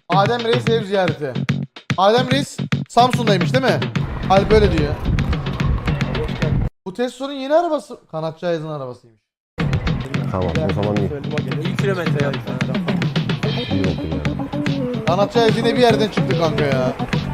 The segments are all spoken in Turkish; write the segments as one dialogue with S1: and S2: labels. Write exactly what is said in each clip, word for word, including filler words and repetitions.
S1: Adem Reis ev ziyareti. Adem Reis Samsun'daymış değil mi? Hal böyle diyor. Bu Tesla'nın yeni arabası. Kanatçı Ayaz'ın arabasıymış.
S2: Tamam o zaman iyi.
S3: Bir kilometre yani.
S2: İyi oldu ya.
S1: Kanatçı Ayaz yine bir yerden çıktı kanka ya.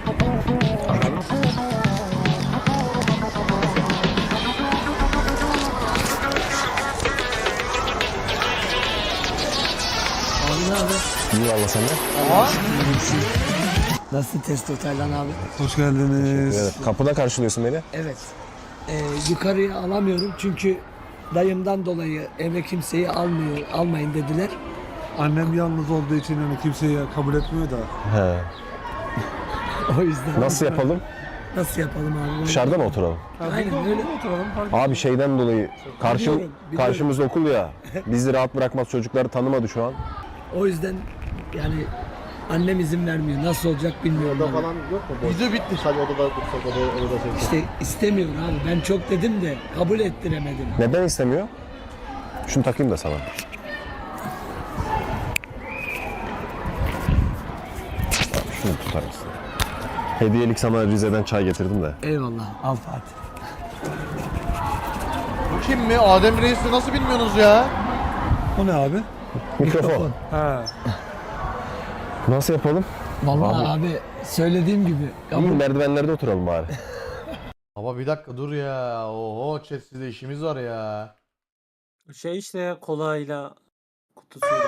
S2: İyi valla sen de.
S1: Aha.
S4: Nasıl Testo Taylan abi?
S5: Hoş geldiniz.
S2: Evet, kapıda karşılıyorsun beni.
S4: Evet. Ee, yukarıya alamıyorum çünkü dayımdan dolayı eve kimseyi almıyor, almayın dediler.
S5: Annem yalnız olduğu için hani kimseyi kabul etmiyor da.
S2: He.
S4: O yüzden.
S2: Nasıl yapalım?
S4: Nasıl yapalım abi? Bunu-
S2: Dışarıda mı oturalım?
S4: Aynen öyle.
S5: Oturalım.
S2: Abi şeyden dolayı karşı,
S4: Biliyorum, biliyorum.
S2: karşımızda okul ya. Bizi rahat bırakmaz, çocukları tanımadı şu an.
S4: O yüzden yani annem izin vermiyor. Nasıl olacak bilmiyorum.
S6: Oda
S4: abi.
S6: falan yok mu? Boş.
S1: Video bitti.
S6: Sadece odada dursak odada odada çekecek.
S4: İşte istemiyor abi. Ben çok dedim de kabul ettiremedim.
S2: Neden istemiyor? Şunu takayım da sana. Şunu tutar mısın? Hediyelik sana Rize'den çay getirdim de.
S4: Eyvallah. Al Fatih.
S1: Bu kim mi? Adem Reis'i nasıl bilmiyorsunuz ya?
S5: O ne abi?
S2: Mikrofon.
S5: Ha.
S2: Nasıl yapalım?
S4: Vallahi abi, söylediğim gibi.
S2: İyi merdivenlerde oturalım bari.
S1: Baba bir dakika dur ya. Oho chat sizde işimiz var ya.
S3: Şey işte kolayla kutusuyla.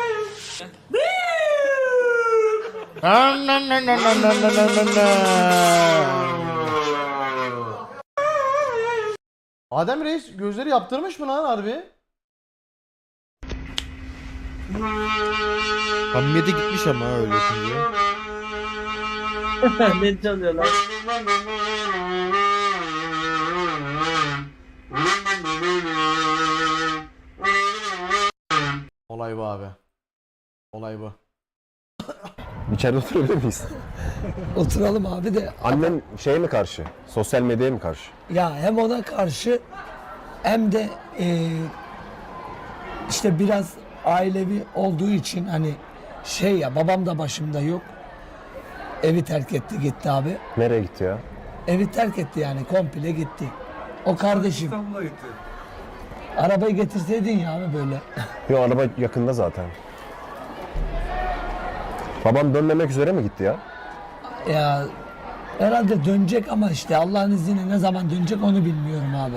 S1: Adem Reis gözleri yaptırmış mı lan harbi?
S6: Hamiyete gitmiş ama öyle şimdi.
S3: Ne çalıyor lan?
S1: Olay bu abi. Olay bu.
S2: İçeride oturabilir miyiz?
S4: Oturalım abi de.
S2: Annen şeye mi karşı? Sosyal medyaya mı karşı?
S4: Ya hem ona karşı hem de eee, işte biraz ailevi olduğu için hani şey ya, babam da başımda yok. Evi terk etti gitti abi.
S2: Nereye gitti ya?
S4: Evi terk etti yani, komple gitti. O kardeşim.
S5: İstanbul'a gitti.
S4: Arabayı getirseydin ya abi böyle.
S2: Yo araba yakında zaten. Babam dönmemek üzere mi gitti ya?
S4: Ya herhalde dönecek ama işte Allah'ın izniyle ne zaman dönecek onu bilmiyorum abi.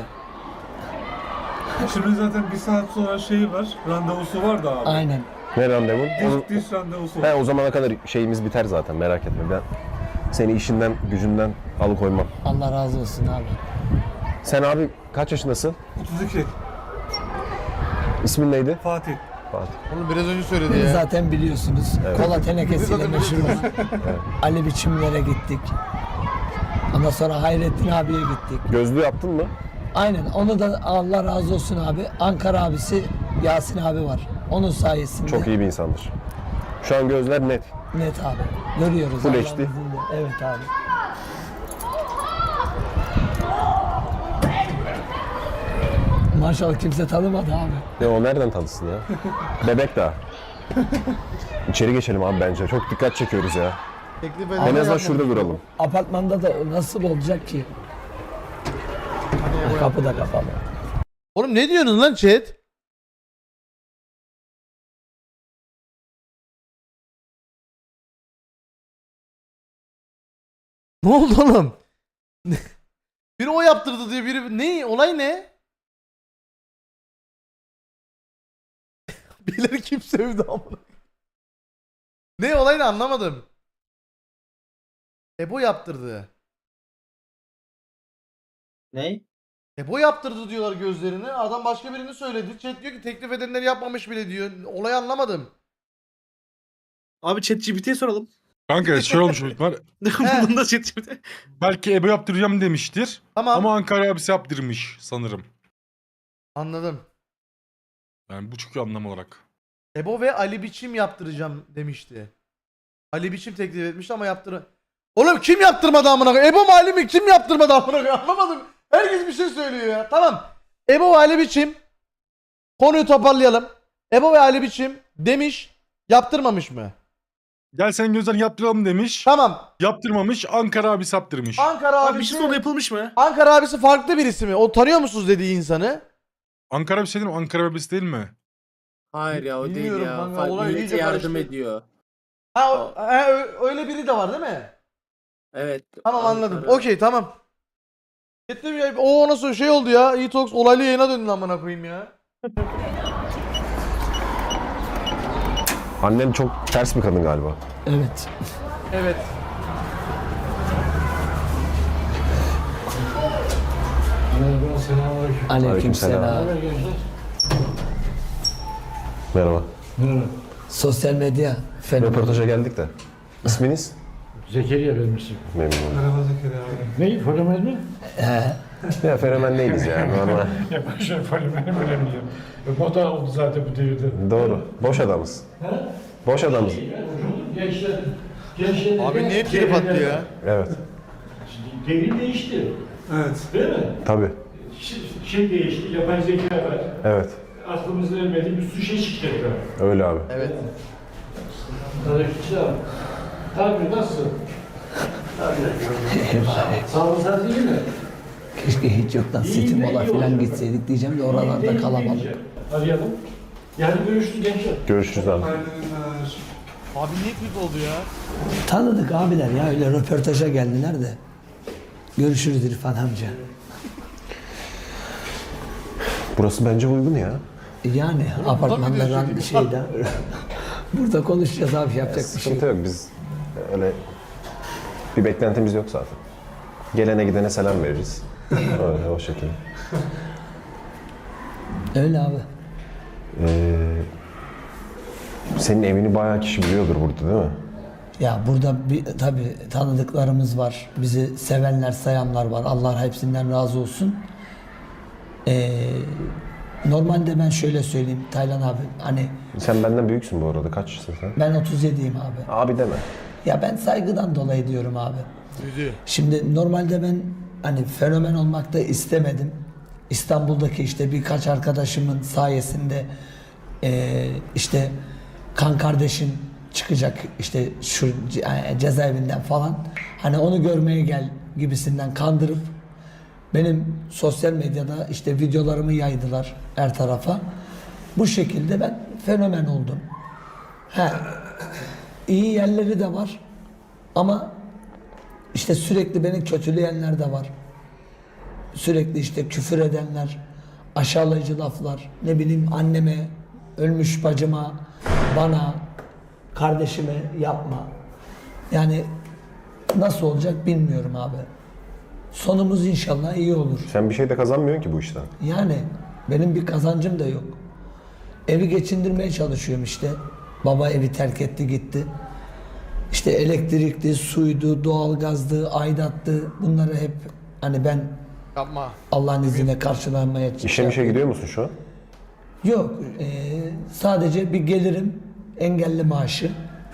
S5: Şimdi zaten bir saat sonra şeyi var. Randevusu var da abi.
S4: Aynen.
S2: Ne randevun? O,
S5: Diş, diş randevusu
S2: he,
S5: var.
S2: o zamana kadar şeyimiz biter zaten merak etme. Ben seni işinden gücünden alıkoymam.
S4: Allah razı olsun abi.
S2: Sen abi kaç yaşındasın?
S5: otuz iki.
S2: İsmin neydi?
S5: Fatih.
S2: Fatih.
S1: Onu biraz önce söyledi
S4: Beni
S1: ya.
S4: zaten biliyorsunuz. Kola tenekesiyle meşhur olan Ali Biçimlere gittik. Ondan sonra Hayrettin abiye gittik.
S2: Gözlüğü yaptın mı?
S4: Aynen, onu da Allah razı olsun abi. Ankara abisi Yasin abi var. Onun sayesinde.
S2: Çok iyi bir insandır. Şu an gözler net.
S4: Net abi. Görüyoruz.
S2: Full
S4: Allah'ın
S2: H D.
S4: izniyle. Evet abi. Maşallah kimse tanımadı abi.
S2: Ya o nereden tanısın ya? Bebek daha. İçeri geçelim abi bence. Çok dikkat çekiyoruz ya.
S1: Teklif
S2: En azından
S1: eden
S2: şurada duralım.
S4: Apartmanda da nasıl olacak ki? Kapı da kapalı.
S1: Oğlum ne diyorsunuz lan chat? Ne oldu oğlum? Biri o yaptırdı diyor, biri ne? Olay ne? Birileri kim sevdi amına? Ne olay ne anlamadım. Ebo yaptırdı.
S3: Ney?
S1: Ebo yaptırdı diyorlar gözlerini. Adam başka birini söyledi. Chat diyor ki teklif edenler yapmamış bile diyor. Olayı anlamadım.
S6: Abi ChatGPT'ye soralım.
S7: Kanka şey olmuş var.
S6: Bunun da ChatGPT.
S7: Belki Ebo yaptıracağım demiştir.
S1: Tamam.
S7: Ama Ankara abisi yaptırmış sanırım.
S1: Anladım.
S7: Yani bu çünkü anlam olarak.
S1: Ebo ve Ali Biçim yaptıracağım demişti. Ali Biçim teklif etmişti ama yaptır. Oğlum kim yaptırmadı amına koyayım? Ebo mu Ali mi? Kim yaptırmadı amına koyayım? Anlamadım. Herkes bir şey söylüyor ya. Tamam. Ebo ve Ali Biçim. Konuyu toparlayalım. Ebo ve Ali Biçim demiş, yaptırmamış mı?
S7: Gel sen gözlerini yaptıralım demiş.
S1: Tamam.
S7: Yaptırmamış. Ankara abisi yaptırmış.
S1: Ankara
S6: Abi bir
S1: abisi.
S6: şey sonra yapılmış mı?
S1: Ankara abisi farklı birisi mi? O tanıyor musunuz dediği insanı?
S7: Ankara abisi değil mi? Ankara abisi değil mi?
S3: Hayır ya o değil
S1: Bilmiyorum
S3: ya.
S1: kanka,
S3: Fa-
S1: olay
S3: millete
S1: iyice
S3: yardım
S1: karıştı.
S3: ediyor.
S1: Ha, o- ha, ö- öyle biri de var değil mi?
S3: Evet.
S1: Tamam
S3: Ankara.
S1: anladım. Okey tamam. Gittim ya. O nasıl şey oldu ya. E-Talks olaylı yayına döndü amına koyayım ya.
S2: Annen çok ters bir kadın galiba.
S4: Evet.
S1: Evet.
S4: Aleykümselam.
S2: Merhaba.
S4: Sosyal medya fenomeni.
S2: Röportaja geldik de. İsminiz?
S8: Zekeriya benim ismim.
S2: Memnun oldum.
S5: Merhaba Zekeriya abi.
S8: Ne? Fenomen mi?
S2: Ya fenomen değiliz ya normal.
S8: Ya başka fenomeni önemli. Moda oldu zaten bu devirde.
S2: Doğru. Boş adamız. Boş adamız.
S8: Gençler, gençler
S1: Abi niye trip attı ya?
S2: Evet.
S8: Devir değişti.
S5: Evet.
S8: Değil mi?
S2: Tabii.
S8: Ş- Şey değişti, yapay zeka var.
S2: Evet.
S8: Aklımızda ermedi, bir sürü şey çıktı tekrar.
S2: Öyle abi.
S1: Evet.
S8: Aleykümselam. Tabii nasıl? Sağlık saati iyi mi?
S4: Keşke hiç yoktan City Mall'a falan gitseydik diyeceğim de oralarda kalamadık.
S8: Arayalım. Yani görüştü gençler.
S2: Görüşürüz abi.
S5: Hayırlı günler.
S1: Abi niye trip oldu ya?
S4: Tanıdık abiler ya öyle röportaja geldiler de. Görüşürüz İrfan amca.
S2: Burası bence uygun ya.
S4: Yani apartmanlardan şeyden. Burada konuşacağız abi yapacak bir şey.
S2: Sıkıntı yok. Biz öyle bir beklentimiz yok zaten. Gelene gidene selam veririz. Öyle o şekilde.
S4: Öyle abi.
S2: Ee, senin evini bayağı kişi biliyordur burada değil mi?
S4: Ya burada bir tabii tanıdıklarımız var. Bizi sevenler, sayanlar var. Allah hepsinden razı olsun. Ee, normalde ben şöyle söyleyeyim Taylan abi. Hani
S2: Sen benden büyüksün bu arada. Kaçsın sen?
S4: ben otuz yediyim abi.
S2: Abi deme.
S4: Ya ben saygıdan dolayı diyorum abi.
S1: Düzü.
S4: Şimdi normalde ben hani fenomen olmak da istemedim. İstanbul'daki işte birkaç arkadaşımın sayesinde eee, işte kan kardeşin çıkacak işte şu ce- cezaevinden falan. Hani onu görmeye gel gibisinden kandırıp benim sosyal medyada işte videolarımı yaydılar her tarafa. Bu şekilde ben fenomen oldum. He, iyi yerleri de var ama işte sürekli beni kötüleyenler de var. Sürekli işte küfür edenler, aşağılayıcı laflar, ne bileyim anneme, ölmüş bacıma, bana, kardeşime yapma. Yani nasıl olacak bilmiyorum abi. Sonumuz inşallah iyi olur.
S2: Sen bir şey de kazanmıyorsun ki bu işten.
S4: Yani benim bir kazancım da yok. Evi geçindirmeye çalışıyorum işte. Baba evi terk etti gitti. İşte elektrikli, suydu, doğalgazdı, aidattı. Bunları hep hani ben
S1: Yapma.
S4: Allah'ın izniyle karşılamaya
S2: İşe mişe gidiyor musun şu an?
S4: Yok. eee, sadece bir gelirim, engelli maaşı.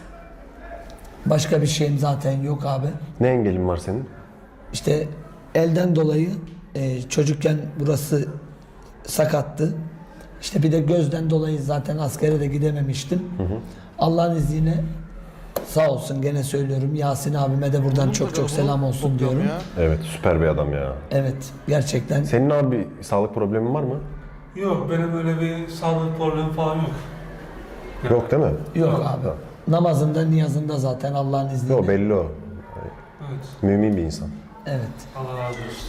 S4: Başka bir şeyim zaten yok abi.
S2: Ne engelin var senin?
S4: İşte elden dolayı eee, çocukken burası sakattı. İşte bir de gözden dolayı zaten askere de gidememiştim. Allah'ın izniyle sağ olsun gene söylüyorum Yasin abime de buradan çok çok selam olsun diyorum.
S1: Ya.
S2: Evet süper bir adam ya.
S4: Evet gerçekten.
S2: Senin abi sağlık problemin var mı?
S5: Yok benim öyle bir sağlık problemi falan yok.
S2: Yok değil mi?
S4: Yok abi. Namazında niyazında zaten Allah'ın izniyle.
S2: Yok belli o.
S5: Evet.
S2: Mümin bir insan.
S4: Evet.
S5: Allah razı olsun.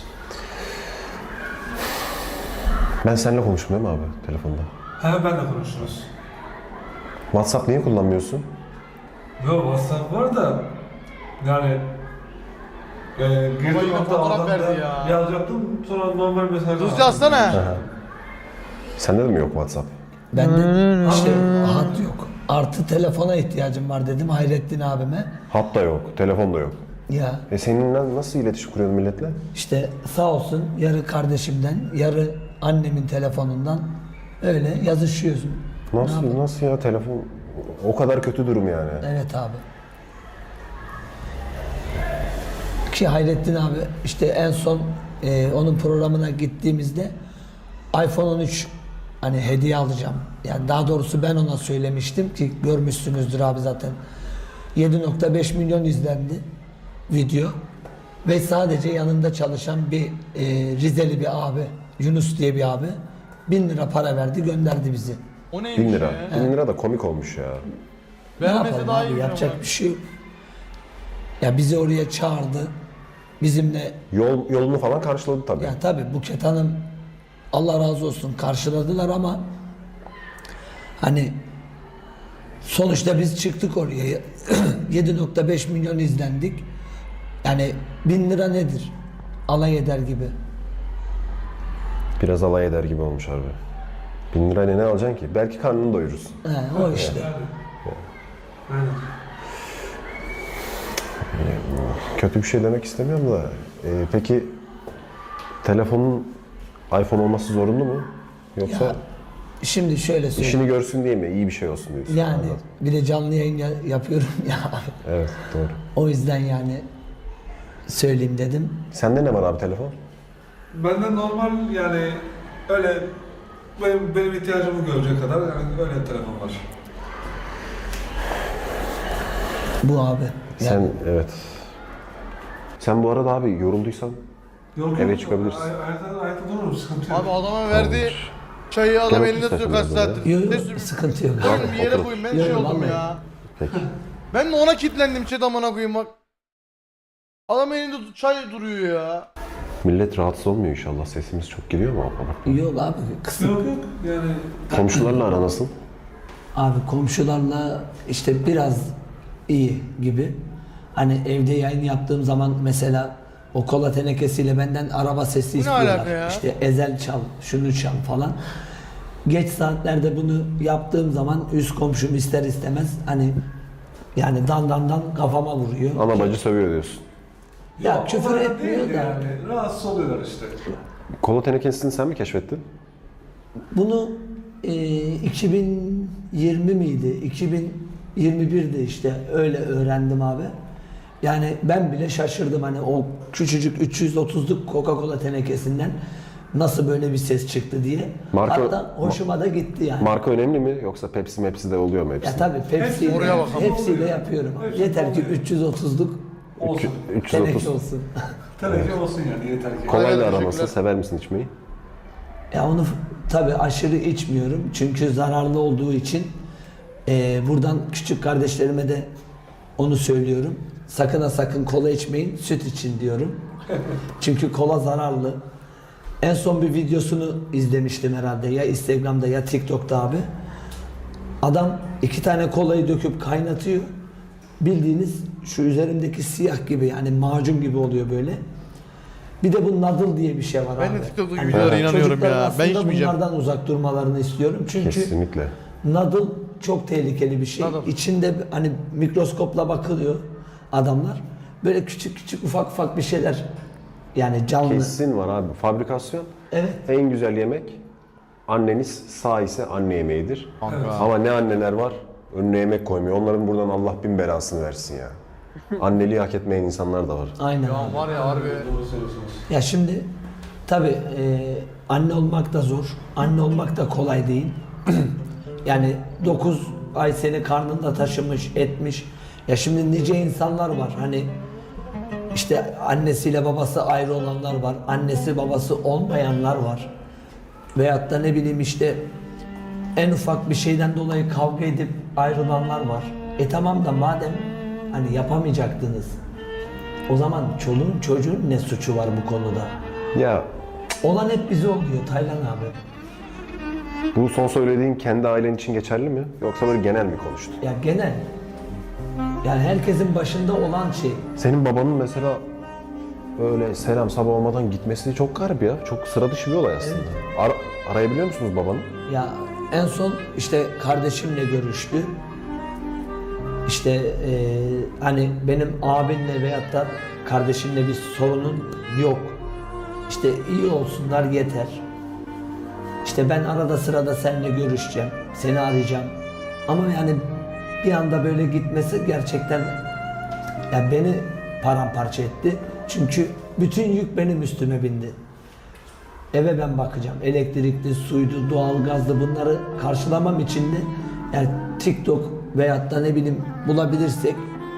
S2: Ben seninle konuştum değil mi abi telefonda?
S5: He ben de konuşuruz.
S2: WhatsApp niye kullanmıyorsun?
S5: Yok WhatsApp var da yani e, girdim
S1: yine
S5: hatta
S1: fotoğraf
S5: adam
S1: verdi
S5: da
S1: ya.
S5: yazacaktım sonra normal mesaj
S1: Düzce
S5: attım.
S1: atsana.
S2: Aha. Sende de mi yok WhatsApp?
S4: Ben de işte hat yok. Artı telefona ihtiyacım var dedim Hayrettin abime.
S2: Hat da yok, telefon da yok.
S4: Ya
S2: E seninle nasıl iletişim kuruyorsun milletle?
S4: işte sağ olsun yarı kardeşimden, yarı annemin telefonundan öyle yazışıyoruz. Ne
S2: Nasıl
S4: yapalım?
S2: nasıl ya telefon o kadar kötü durum yani.
S4: Evet abi. Ki Hayrettin abi işte en son e, onun programına gittiğimizde iPhone on üç hani hediye alacağım. Yani daha doğrusu ben ona söylemiştim ki görmüşsünüzdür abi zaten. yedi nokta beş milyon izlendi video. Ve sadece yanında çalışan bir e, Rizeli bir abi, Yunus diye bir abi bin lira para verdi, gönderdi bizi.
S1: O neymiş
S2: Bin lira.
S1: ya?
S2: Bin lira da komik olmuş ya.
S4: Ne
S1: Vermese
S4: yapalım
S1: daha
S4: abi,
S1: iyi.
S4: yapacak bir şey yok. Ya bizi oraya çağırdı. Bizimle
S2: Yol yolunu falan karşıladı tabii.
S4: ya tabii Buket Hanım Allah razı olsun karşıladılar ama hani sonuçta biz çıktık oraya yedi nokta beş milyon izlendik. Yani bin lira nedir? Alay eder gibi.
S2: Biraz alay eder gibi olmuş harbi. Bin lirayla ne alacaksın ki? Belki karnını doyurursun.
S4: He, o işte.
S2: Kötü bir şey demek istemiyorum da. e, peki telefonun iPhone olması zorunlu mu? Yoksa
S4: Ya, şimdi şöyle söyleyeyim.
S2: işini görsün diye mi? İyi bir şey olsun diyorsun.
S4: Yani
S2: Anladım.
S4: bir de canlı yayın ya- yapıyorum ya.
S2: Evet doğru.
S4: O yüzden yani söyleyeyim dedim.
S2: Sende ne var abi telefon?
S5: Benden normal yani öyle benim, benim ihtiyacımı görecek kadar yani öyle bir telefon var.
S4: Bu abi.
S2: Sen
S4: Yani
S2: evet. Sen bu arada abi yorulduysan
S5: Yok,
S2: Eve
S5: yok,
S2: çıkabilirsin.
S5: ay- Ayakta, ayakta dururum, sıkıntı yok.
S1: Abi adama verdiği çayı adam
S2: Gel
S1: elinde
S2: otur
S1: tutuyor kaç
S2: istersen
S1: saattir.
S4: yok,
S1: Ne
S4: yok,
S1: sürüyor?
S4: sıkıntı yok.
S1: Oğlum bir yere
S2: Otur.
S1: koyayım ben
S4: Yok,
S1: şey oldum
S4: vallahi.
S1: ya.
S2: peki.
S1: Ben de ona kilitlendim chat amına koyayım bak. Adam elinde tut- çay duruyor ya.
S2: Millet rahatsız olmuyor inşallah. Sesimiz çok geliyor mu o kadar?
S4: Yok abi kısık.
S5: Yok yok yani
S2: Komşularla ara nasıl?
S4: Abi komşularla işte biraz iyi gibi. Hani evde yayın yaptığım zaman mesela o kola tenekesiyle benden araba sesi
S1: Bu ne
S4: istiyorlar.
S1: alaka ya?
S4: İşte ezel çal, şunu çal falan. Geç saatlerde bunu yaptığım zaman üst komşum ister istemez hani yani dan dan dan kafama vuruyor.
S2: Ana bacı sövüyor diyorsun.
S4: Ya
S5: Yok, o
S4: küfür
S5: kadar
S4: etmiyor
S5: değil
S4: da.
S5: yani. Rahatsız oluyorlar işte.
S2: Kola tenekesini sen mi keşfettin?
S4: Bunu e, iki bin yirmi miydi? iki bin yirmi birde işte öyle öğrendim abi. Yani ben bile şaşırdım hani o küçücük üç yüz otuzluk Coca-Cola tenekesinden nasıl böyle bir ses çıktı diye.
S2: Marka-
S4: Hatta hoşuma da gitti yani.
S2: Marka önemli mi yoksa Pepsi Mepsi de oluyor mu hepsi?
S4: Ya tabii Pepsi
S1: Oraya bakalım.
S4: hepsiyle yapıyorum. Yeter ki üç yüz otuzluk
S5: Olsun.
S2: üç yüz otuz.
S4: teneke olsun.
S5: Teneke olsun yani yeter ki.
S2: Kolayla
S1: Aynen,
S2: ara nasıl?
S1: teşekkürler.
S2: Sever misin içmeyi?
S4: Ya onu tabii aşırı içmiyorum çünkü zararlı olduğu için e, buradan küçük kardeşlerime de onu söylüyorum. Sakın ha sakın kola içmeyin, süt için diyorum. Çünkü kola zararlı. En son bir videosunu izlemiştim herhalde ya Instagram'da ya TikTok'ta abi. Adam iki tane kolayı döküp kaynatıyor. Bildiğiniz şu üzerimdeki siyah gibi yani macun gibi oluyor böyle. Bir de bu nadıl diye bir şey var
S1: Ben
S4: abi.
S1: de TikTok'taki
S4: Hani
S1: videolara inanıyorum
S4: çocukların
S1: ya. Ben
S4: aslında
S1: içmeyeceğim.
S4: bunlardan uzak durmalarını istiyorum. Çünkü
S2: Kesinlikle.
S4: nadıl çok tehlikeli bir şey.
S1: Nadıl.
S4: İçinde hani mikroskopla bakılıyor adamlar. Böyle küçük küçük ufak ufak bir şeyler yani canlı.
S2: Kesin var abi. Fabrikasyon
S4: Evet.
S2: en güzel yemek anneniz sağ ise anne yemeğidir.
S1: Kanka.
S2: Ama ne anneler var önüne yemek koymuyor. Onların buradan Allah bin belasını versin ya. Anneliği hak etmeyen insanlar da var.
S4: Aynen.
S1: Ya
S4: abi.
S1: var ya harbi.
S5: Doğru söylüyorsunuz.
S4: Ya şimdi tabii e, anne olmak da zor. Anne olmak da kolay değil. Yani dokuz ay seni karnında taşımış, etmiş. Ya şimdi nice insanlar var. Hani işte annesiyle babası ayrı olanlar var. Annesi babası olmayanlar var. Veyahut da ne bileyim işte en ufak bir şeyden dolayı kavga edip ayrılanlar var. E tamam da madem hani yapamayacaktınız o zaman çoluğun çocuğun ne suçu var bu konuda?
S2: Ya
S4: Olan hep bize oluyor Taylan abi.
S2: bu son söylediğin kendi ailen için geçerli mi? Yoksa böyle genel mi konuştun?
S4: Ya genel. Yani herkesin başında olan şey.
S2: Senin babanın mesela öyle selam sabah olmadan gitmesi çok garip ya. Çok sıra dışı bir olay aslında. Ara- arayabiliyor musunuz babanı?
S4: Ya en son işte kardeşimle görüştü. İşte eee, hani benim abimle veyahut da kardeşimle bir sorunun yok. İşte iyi olsunlar yeter. İşte ben arada sırada seninle görüşeceğim, seni arayacağım. Ama yani bir anda böyle gitmesi gerçekten ya beni paramparça etti. Çünkü bütün yük benim üstüme bindi. Eve ben bakacağım. Elektrikli, suydu, doğalgazdı bunları karşılamam için de yani TikTok veyahut da ne bileyim bulabilirsek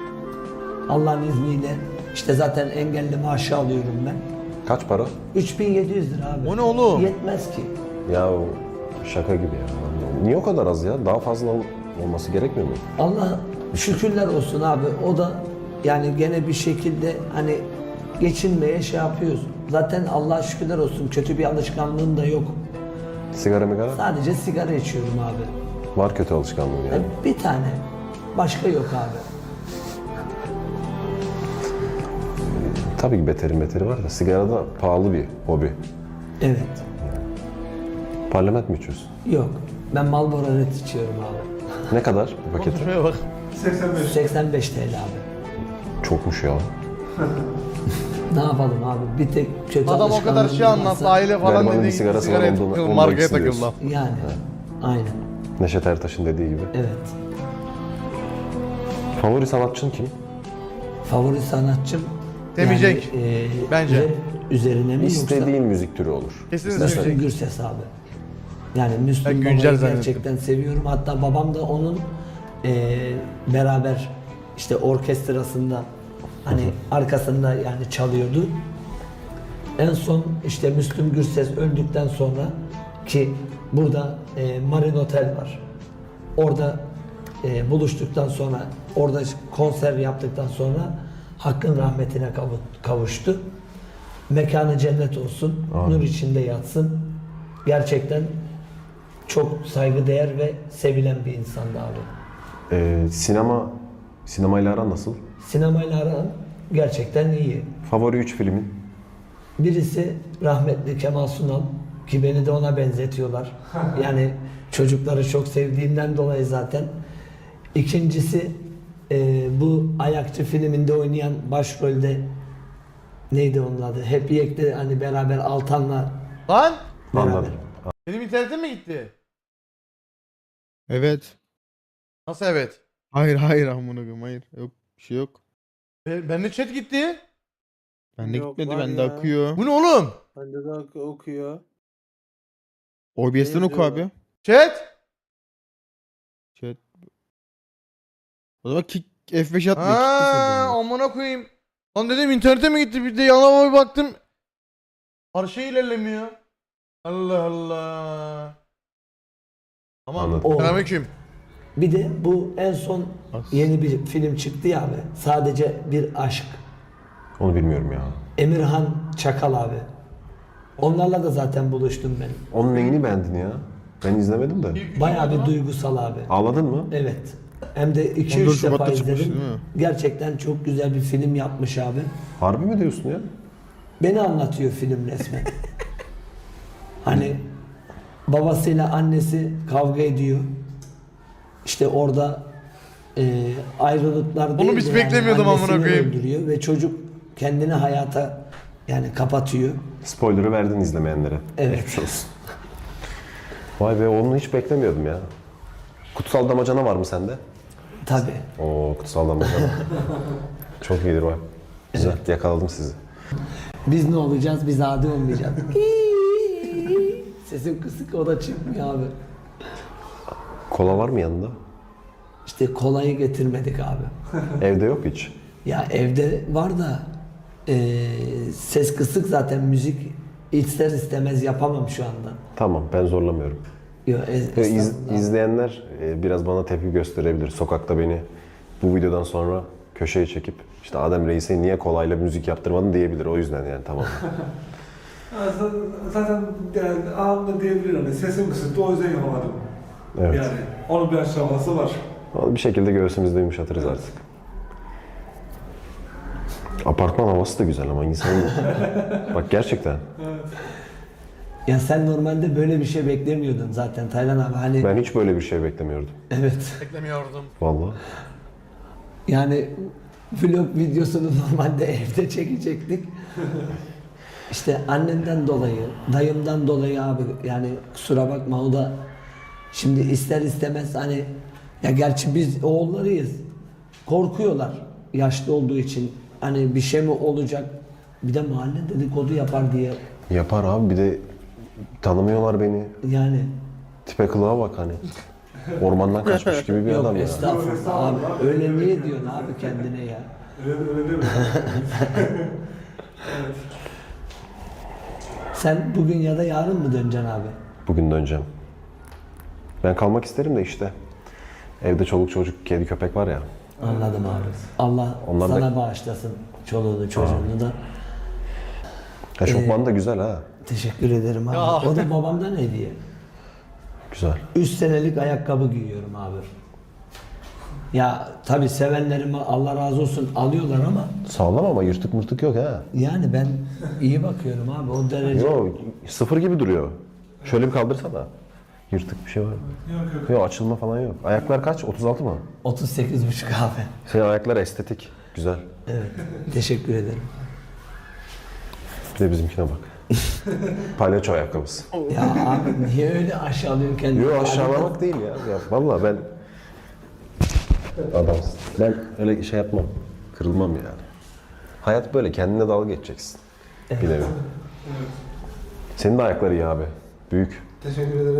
S4: Allah'ın izniyle işte zaten engelli maaşı alıyorum ben.
S2: Kaç para?
S4: üç bin yedi yüz lira abi.
S1: O ne oğlum?
S4: Yetmez ki.
S2: Ya o şaka gibi ya. Niye o kadar az ya? Daha fazla ol- olması gerekmiyor mu?
S4: Allah şükürler olsun abi. O da yani gene bir şekilde hani geçinmeye şey yapıyoruz. Zaten Allah'a şükürler olsun kötü bir alışkanlığım da yok.
S2: Sigara migara?
S4: Sadece sigara içiyorum abi.
S2: Var kötü alışkanlığım yani.
S4: E, Bir tane. Başka yok abi.
S2: Tabii ki beteri beteri var da sigara da pahalı bir hobi.
S4: Evet.
S2: Parlament mi içiyorsun?
S4: Yok. Ben Marlboro Red içiyorum abi.
S2: Ne kadar bir paketi?
S1: Şuraya bak.
S5: seksen beş.
S4: seksen beş T L abi.
S2: Çokmuş ya.
S4: Ne yapalım abi? Bir tek kötü
S1: Adam o kadar şey
S4: alışkanlığımız
S1: anlattı,
S4: varsa-
S1: aile falan
S2: Garibanın
S1: dedi.
S2: bir sigarası var,
S1: Sigaraya
S2: ondan-
S1: takıldı,
S2: ondan
S1: markaya
S2: ikisi
S1: takıldı.
S2: diyorsun.
S4: Yani. Aynen.
S2: Neşet Ertaş'ın dediği gibi.
S4: Evet.
S2: Favori sanatçın kim?
S4: Favori sanatçım
S1: Demeyecek.
S4: yani, e,
S1: Bence.
S4: rap üzerine mi
S2: İstediğin müzik türü olur.
S1: Kesinlikle
S4: yoksa Müslüm
S1: söyleyecek.
S4: Gürses abi. Yani Müslüm
S1: Ben
S4: Baba'yı
S1: güncel zannettim.
S4: gerçekten seviyorum. Hatta babam da onun e, beraber işte orkestrasında hani arkasında yani çalıyordu. En son işte Müslüm Gürses öldükten sonra ki burada e, Marin Otel var. Orada e, buluştuktan sonra orada konser yaptıktan sonra Hakk'ın rahmetine kavu- kavuştu. Mekanı cennet olsun. Nur içinde yatsın. Gerçekten çok saygıdeğer ve sevilen bir insandı abi.
S2: Ee, sinema, sinemayla aran nasıl?
S4: Sinemayla aram gerçekten iyi.
S2: Favori üç filmin?
S4: Birisi rahmetli Kemal Sunal ki beni de ona benzetiyorlar. Yani çocukları çok sevdiğimden dolayı zaten. İkincisi e, bu Ayakçı filminde oynayan başrolde neydi onun adı? Hep Yek'te hani beraber Altan'la
S1: Lan!
S4: beraber.
S2: Anladım.
S1: Benim internetim mi gitti?
S6: Evet.
S1: Nasıl evet?
S6: Hayır hayır amına koyayım hayır. Yok bir şey yok.
S1: Be bende chat gitti.
S6: Bende
S3: Yok,
S6: gitmedi
S3: var
S6: bende
S3: ya.
S6: akıyor.
S1: Bu ne oğlum?
S3: Bende de ok- okuyor.
S6: O B S'ten
S3: Ne
S6: oku
S3: yazıyor
S6: abi.
S1: Chat?
S6: Chat. O zaman kick F beş atma.
S1: Haa amına koyayım. Lan dedim internete mi gitti? Bir de yanıma bir baktım. Her şey ilerlemiyor. Allah Allah. Tamam.
S2: Anladım.
S4: O.
S1: Selamünaleyküm.
S4: Bir de bu en son
S6: As-
S4: yeni bir film çıktı ya abi. Sadece bir aşk.
S2: Onu bilmiyorum ya.
S4: Emirhan Çakal abi. Onlarla da zaten buluştum ben.
S2: Onun neyini beğendin ya? Ben izlemedim de.
S4: Bayağı bir duygusal abi.
S2: Ağladın mı?
S4: Evet. Hem de iki
S6: on dört
S4: üç defa
S6: Şubat'ta çıkmış,
S4: izledim.
S6: değil mi?
S4: Gerçekten çok güzel bir film yapmış abi.
S2: Harbi mi diyorsun ya?
S4: Beni anlatıyor film resmen. Hani babasıyla annesi kavga ediyor. İşte orada e, ayrılıklar değil
S1: biz
S4: de
S1: beklemiyordum amına
S4: annesini
S1: koyayım.
S4: öldürüyor ve çocuk kendini hayata yani kapatıyor.
S2: Spoiler'ı verdin izlemeyenlere.
S4: Evet.
S2: Geçmiş olsun. Vay be onu hiç beklemiyordum ya. Kutsal Damacana var mı sende?
S4: Tabii.
S2: Oo Kutsal Damacana. Çok iyidir bak. Güzel yakaladım sizi.
S4: Biz ne olacağız? Biz adi olmayacağız. Sesim kısık o da çıkmıyor abi.
S2: Kola var mı yanında?
S4: İşte kolayı getirmedik abi.
S2: Evde yok hiç.
S4: Ya evde var da eee, ses kısık zaten müzik ister istemez yapamam şu anda.
S2: Tamam ben zorlamıyorum.
S4: Yo, e,
S2: Ve iz-
S4: estağfurullah.
S2: izleyenler e, biraz bana tepki gösterebilir. Sokakta beni bu videodan sonra köşeye çekip işte Adem Reis'e niye kolayla müzik yaptırmadın diyebilir. O yüzden yani tamam.
S5: Ha, z- Zaten yani anında diyebilir hani sesim kısıktı o yüzden yapamadım.
S2: Evet.
S5: Yani onun bir aşaması var.
S2: Ama bir şekilde göğsümüzde yumuşatırız artık. Apartman havası da güzel ama insanın... Bak gerçekten.
S4: Ya sen normalde böyle bir şey beklemiyordun zaten Taylan abi. Hani
S2: Ben hiç böyle bir şey beklemiyordum.
S4: evet.
S1: Beklemiyordum.
S2: Vallahi.
S4: Yani vlog videosunu normalde evde çekecektik. İşte annemden dolayı, dayımdan dolayı abi yani kusura bakma o da şimdi ister istemez hani ya gerçi biz oğullarıyız. Korkuyorlar yaşlı olduğu için. Hani bir şey mi olacak? Bir de mahalle dedikodu yapar diye.
S2: Yapar abi bir de tanımıyorlar beni.
S4: Yani
S2: Tipe kılığa bak hani. Ormandan kaçmış gibi bir
S4: yok
S2: adam ya.
S4: estağfurullah abi. Öyle niye diyorsun abi kendine ya?
S5: Öyle, öyle değil mi?
S4: Sen bugün ya da yarın mı döneceksin abi?
S2: Bugün döneceğim. Ben kalmak isterim de işte. Evde çoluk çocuk, kedi köpek var ya.
S4: Anladım abi. Allah
S2: Onlar da-
S4: sana bağışlasın çoluğunu çocuğunu da.
S2: Eşofman da güzel ha.
S4: Teşekkür ederim abi.
S1: Ya.
S4: O da babamdan hediye.
S2: Güzel.
S4: Üç senelik ayakkabı giyiyorum abi. Ya tabii sevenlerime Allah razı olsun alıyorlar ama
S2: Sağlam ama yırtık mırtık yok ha.
S4: yani ben iyi bakıyorum abi o derece.
S2: Yok, sıfır gibi duruyor. Şöyle bir kaldırsana. Yırtık bir şey var mı?
S5: Yok yok.
S2: Yok, açılma falan yok. Ayaklar kaç? otuz altı mı?
S4: otuz sekiz buçuk abi.
S2: Senin ayaklar estetik. Güzel.
S4: Evet. Teşekkür ederim.
S2: Bir de bizimkine bak. Palyaço ayakkabısı.
S4: Ya abi niye öyle aşağılıyorsun kendini?
S2: Yok, aşağılamak değil ya. ya vallahi ben... Adamsın. Ben öyle şey yapmam. Kırılmam yani. Hayat böyle. Kendine dalga geçeceksin. Bir nevi. Senin de ayakları iyi abi. Büyük.
S5: Teşekkür ederim.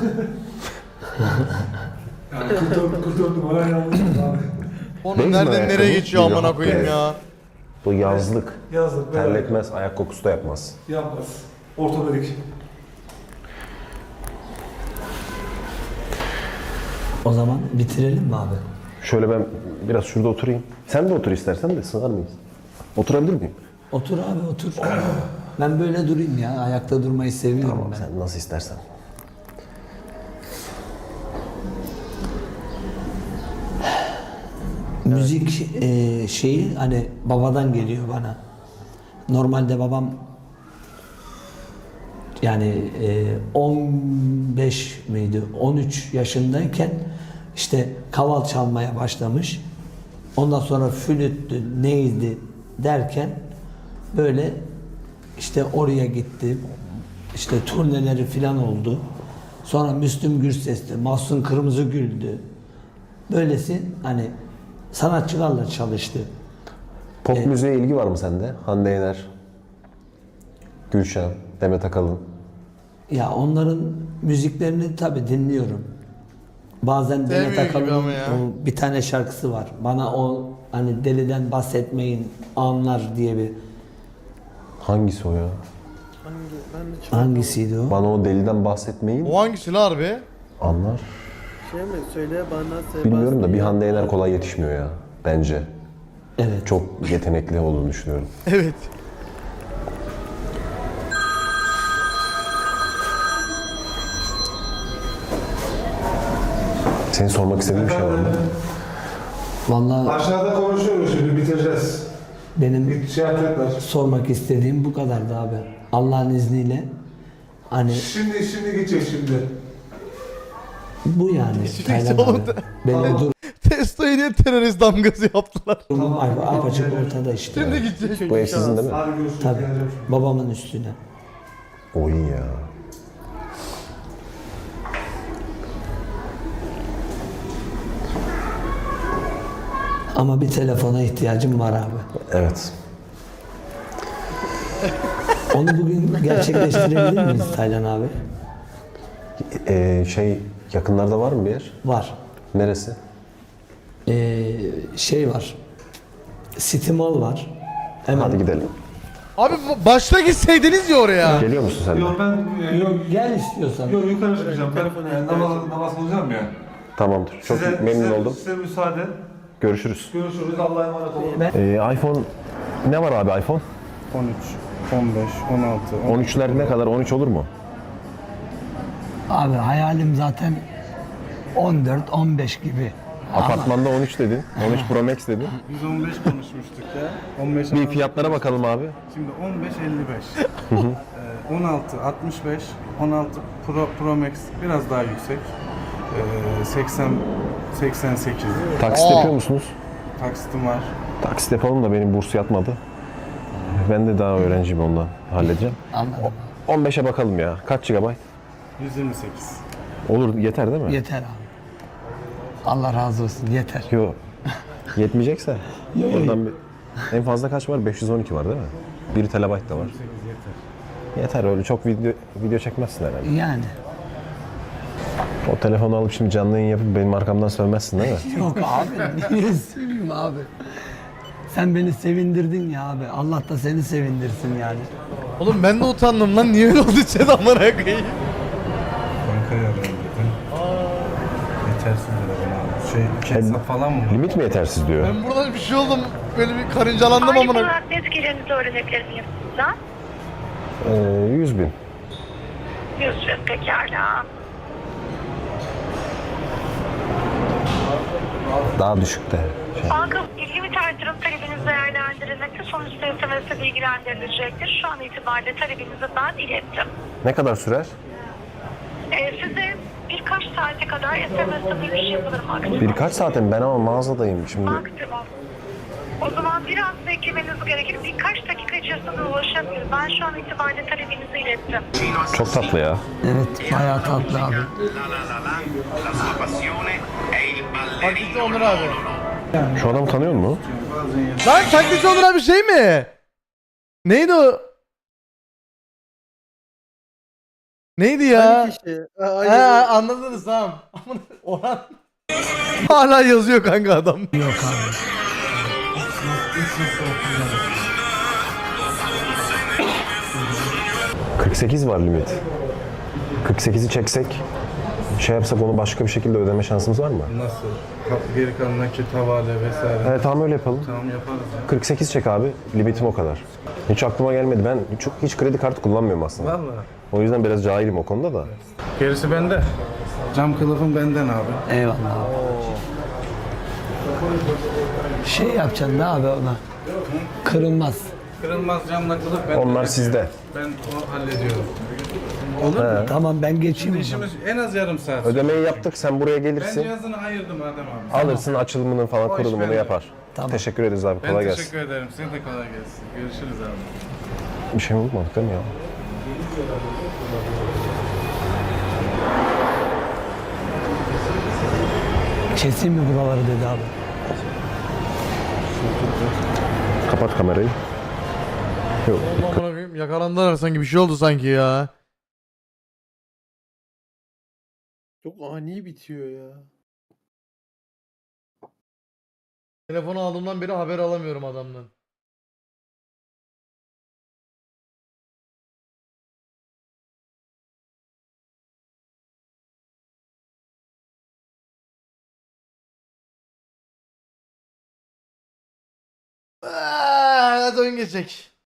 S5: yani kurtuldum, kurtuldum. Oraya yanlış abi.
S1: Oğlum
S2: Değil mi
S1: nereden
S2: ayakkabı?
S1: nereye geçiyor
S2: Bir
S1: amına
S2: rahat
S1: koyayım
S2: be.
S1: ya.
S2: Bu yazlık.
S5: Yazdık.
S2: Terletmez, ayak kokusu da yapmaz.
S5: Yapmaz. Ortopedik.
S4: O zaman bitirelim mi abi?
S2: Şöyle ben biraz şurada oturayım. Sen de otur istersen de, sığar mıyız? Oturabilir miyim?
S4: Otur abi otur. Ben böyle durayım ya. Ayakta durmayı seviyorum
S2: Tamam,
S4: ben.
S2: sen nasıl istersen.
S4: Müzik e, şeyi hani babadan geliyor bana. Normalde babam yani e, on beş miydi? on üç yaşındayken işte kaval çalmaya başlamış. Ondan sonra flüttü, neydi derken böyle işte oraya gitti. İşte turneleri filan oldu. Sonra Müslüm Gürses'ti, Mahsun Kırmızıgül'dü. Böylesi hani sanatçılarla çalıştı.
S2: Pop müziğe ilgi var mı sende? Hande Yener, Gülşen, Demet Akalın.
S4: Ya onların müziklerini tabii dinliyorum. Bazen Demet
S1: Sevmiyor gibi
S4: Akalın'ın
S1: ama ya.
S4: o bir tane şarkısı var. Bana o hani deliden bahsetmeyin anlar diye bir
S2: Hangisi o ya?
S4: hangisiydi o?
S2: Bana o deliden bahsetmeyin.
S1: O hangisi lan harbi?
S2: Anlar.
S3: Şey mi? Söyle bana
S2: Bilmiyorum da bir Hande Yener kolay yetişmiyor ya. Bence.
S4: Evet.
S2: Çok yetenekli olduğunu düşünüyorum.
S1: Evet.
S2: Senin sormak istediğin bir şey var mı?
S4: Vallahi
S5: Aşağıda konuşuyoruz şimdi, bitireceğiz.
S4: benim
S5: Bir şey yapacaklar.
S4: sormak istediğim bu kadardı abi. Allah'ın izniyle hani
S5: Şimdi, şimdi gidecek şimdi.
S4: bu yani. Taylan
S1: oğlum
S4: abi.
S1: da-
S4: Benim
S1: Testo'yu niye terörist damgası yaptılar?
S4: durumum apaçık ortada işte.
S1: Şimdi gidecek.
S2: Bu ev sizin değil mi?
S5: Hadi görüşürüz.
S4: Tabii.
S5: Geleceğim.
S4: Babamın üstüne.
S2: O iyi ya.
S4: Ama bir telefona ihtiyacım var abi.
S2: Evet.
S4: Onu bugün gerçekleştirebilir miyiz Taylan abi?
S2: Ee, şey, yakınlarda var mı bir yer?
S4: Var.
S2: Neresi?
S4: Ee, şey var. City Mall var. Hemen.
S2: Hadi gidelim.
S1: Abi bu- başta gitseydiniz ya oraya.
S2: Geliyor musun sen de?
S5: Yok ben, e, yok,
S4: Gel istiyorsan.
S5: yok yukarı çıkacağım. Ben e, namaz, namaz kılacağım ya.
S2: Tamamdır. Çok
S5: Size,
S2: memnun
S5: size,
S2: oldum.
S5: Size müsaade.
S2: Görüşürüz.
S5: Görüşürüz. Allah'a emanet olun.
S2: Ee, iPhone ne var abi iPhone?
S6: on üç, on beş, on altı,
S2: on üçler ne kadar? on üç olur mu?
S4: Abi hayalim zaten on dört on beş gibi.
S2: Apartmanda on üç dedin. on üç Pro Max dedin.
S6: Biz on beş konuşmuştuk ya. on beş,
S2: Bir fiyatlara bakalım abi.
S6: Şimdi on beş elli beş. Ee, on altı altmış beş, on altı Pro, Pro Max biraz daha yüksek. Ee, seksen seksen sekiz.
S2: Taksit
S1: Aa.
S2: yapıyor musunuz?
S6: Taksitim var.
S2: Taksit yapalım da benim burs yatmadı. Ben de daha öğrenciyim, ondan halledeceğim.
S4: Anladım.
S2: on beşe bakalım ya. Kaç GB?
S6: yüz yirmi sekiz.
S2: Olur, yeter değil mi?
S4: Yeter abi. Allah razı olsun yeter.
S2: Yok. Yetmeyecekse
S4: Yok, yok.
S2: oradan bir... En fazla kaç var? beş yüz on iki var değil mi? bir terabayt da var. Yeter, öyle çok video video çekmezsin herhalde.
S4: Yani.
S2: O telefonu alıp şimdi canlı yayın yapıp benim arkamdan sövmezsin değil mi?
S4: Yok abi niye seveyim abi? sen beni sevindirdin ya abi. Allah da seni sevindirsin yani.
S1: Oğlum ben de utandım lan. Niye öyle oldu chat amına koyayım?
S6: Bankaya arıyorum dedim. Yetersiz dedi bana abi. Şey, iki hesap falan mı?
S2: Limit mi yetersiz diyor.
S1: Ben buradan bir şey oldum. Böyle bir karıncalandım
S9: Aylık
S1: amına.
S9: olarak net gelirinizi öğrenebilir miyim sizden?
S2: Ee, yüz bin.
S9: yüz bin pekala.
S2: Daha düşük de. Şey.
S9: Banka ilgili bir artırım talebiniz değerlendirilmekte. Sonuçta S M S'e bilgilendirilecektir. Şu an itibariyle talebinizi ben ilettim.
S2: Ne kadar sürer?
S9: Ee, size birkaç saate kadar S M S'e dönüş yapılır maksimum.
S2: Birkaç saatim ben ama mağazadayım şimdi.
S9: Maksimum. O zaman biraz beklemeniz gerekir. Birkaç dakika içerisinde ulaşabilir. Ben şu an itibariyle talebinizi ilettim.
S2: Çok tatlı ya.
S4: Evet bayağı tatlı abi.
S1: Taklitçi Onur abi.
S2: Şu adam tanıyor musun?
S1: Lan taklitçi Onur abi şey mi? Neydi o? Neydi ya?
S3: Aynı kişi. Ha,
S1: He
S3: aynı.
S1: anladınız tamam. Amına- Orhan. Hala yazıyor kanka adam.
S4: Yok abi.
S2: kırk sekiz var limit. kırk sekizi çeksek, şey yapsak onu başka bir şekilde ödeme şansımız var mı?
S6: Nasıl? Ka- Geri kalan nakit, havale vesaire.
S2: Evet tamam öyle yapalım.
S6: Tamam yaparız ya.
S2: kırk sekiz çek abi. Limitim o kadar. Hiç aklıma gelmedi. Ben çok hiç kredi kartı kullanmıyorum aslında.
S6: Vallahi.
S2: O yüzden biraz cahilim o konuda da.
S6: Gerisi bende. Cam kılıfım benden abi.
S4: Eyvallah abi. Şey yapacaksın da abi ona. Kırılmaz.
S6: Kırılmaz camla kılıf ben.
S2: Onlar sizde.
S6: Ben onu hallediyorum. Olur mu?
S4: Tamam ben geçeyim o zaman.
S6: İşimiz en az yarım saat.
S2: Ödemeyi yaptık. Sen buraya
S6: Ben
S2: gelirsin.
S6: cihazını ayırdım Adem abi.
S2: Alırsın açılımını falan
S6: O iş
S2: kurulumunu
S6: bende.
S2: yapar.
S4: Tamam.
S2: Teşekkür ederiz abi.
S6: Ben
S2: Kolay
S6: teşekkür
S2: gelsin.
S6: ederim. Size de kolay gelsin. Görüşürüz abi.
S2: Bir şey mi unutmadık değil mi ya?
S4: Keseyim mi buraları dedi abi.
S2: Kapat kamerayı. Yok.
S1: Amına koyayım yakalandılar sanki bir şey oldu sanki ya.
S3: Çok ani bitiyor ya.
S1: Telefonu aldığımdan beri haber alamıyorum adamdan. Aa, hadi oyun geçecek.